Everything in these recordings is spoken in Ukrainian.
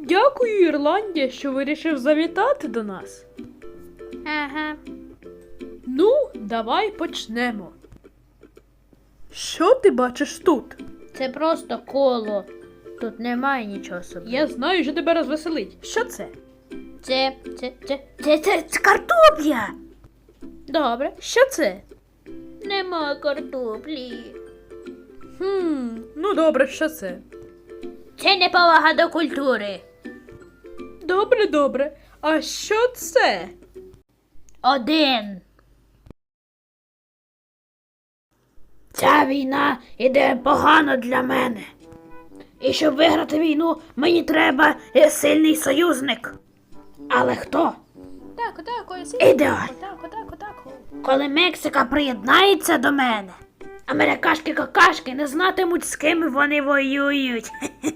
Дякую, Ірландія, що вирішив завітати до нас. Ага. Ну, давай почнемо. Що ти бачиш тут? Це просто коло. Тут немає нічого собі. Я знаю, що тебе розвеселить. Що це? Це картопля. Добре, що це? Нема картоплі. Ну добре, що це? Це неповага до культури. Добре. А що це? 1. Ця війна іде погано для мене. І щоб виграти війну, мені треба сильний союзник. Але хто? Так, Ідеально. Так. Коли Мексика приєднається до мене, америкашки-какашки не знатимуть, з ким вони воюють.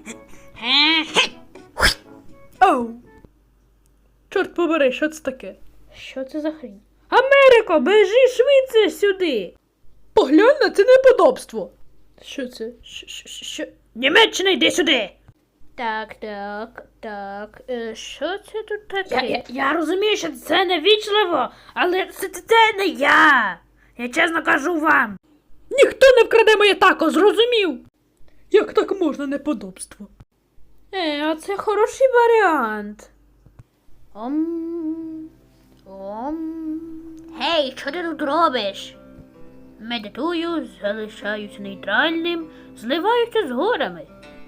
Оу. Чорт побери, що це таке? Що це за хрінь? Америко, біжи швидше сюди. Поглянь на це неподобство. Що це? Що? Німеччина, йди сюди! Так. Що це тут таке? Я розумію, що це невічливо, але це не я. Я чесно кажу вам. Ніхто не вкраде моє тако, зрозумів? Як так можна неподобство? А це хороший варіант. Гей, що ти тут робиш? Медитую, залишаюся нейтральним, зливаюся з горами.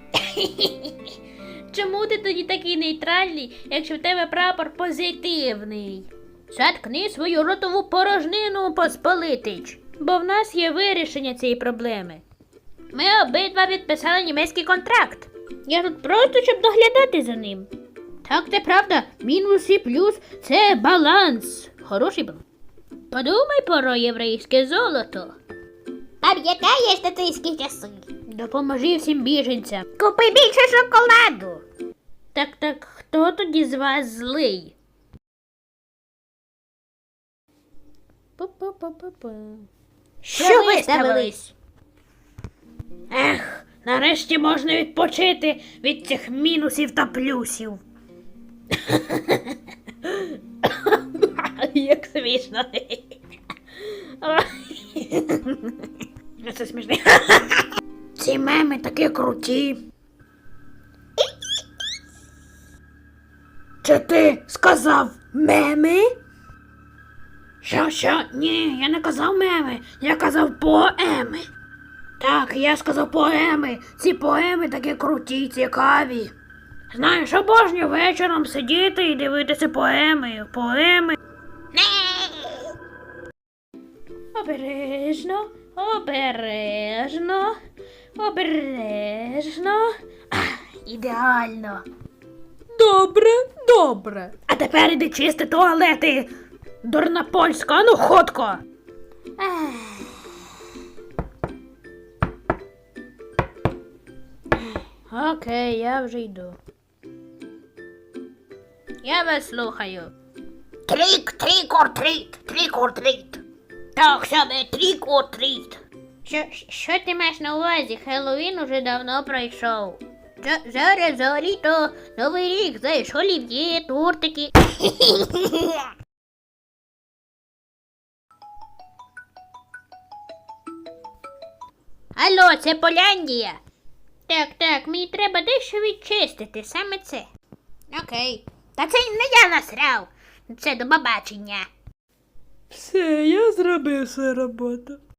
Чому ти тоді такий нейтральний, якщо в тебе прапор позитивний? Заткни свою ротову порожнину, посполитич, бо в нас є вирішення цієї проблеми. Ми обидва підписали німецький контракт. Я тут просто, щоб доглядати за ним. Так, це правда, мінус і плюс – це баланс. Хороший баланс. Подумай про єврейське золото. Пам'ятаєш нацистські часи? Допоможи всім біженцям. Купи більше шоколаду. Так, хто тоді з вас злий? Що виставились? Ех, нарешті можна відпочити від цих мінусів та плюсів. Як смішно. Це смішно. Ці меми такі круті. Чи ти сказав меми? Що? Ні, я не казав меми, я казав поеми. Так, я сказав поеми. Ці поеми такі круті, цікаві. Знаєш, обожнюю вечором сидіти і дивитися поеми. Обережно. Ідеально. Добре. А тепер іди чисти туалети. Дурна польська, ну ходко. Окей, я вже йду. Я вас слухаю. Трік-or-treat. Так, саме трік-or-treat. Що ти маєш на увазі? Хеллоуін уже давно пройшов. Зараз взагалі-то Новий рік, знаєш, олів'є, тортики. Алло, це Поляндія. Так, мені треба дещо відчистити, саме це. Окей. Та це не я насрав. Це до побачення. Все, я зробив свою роботу.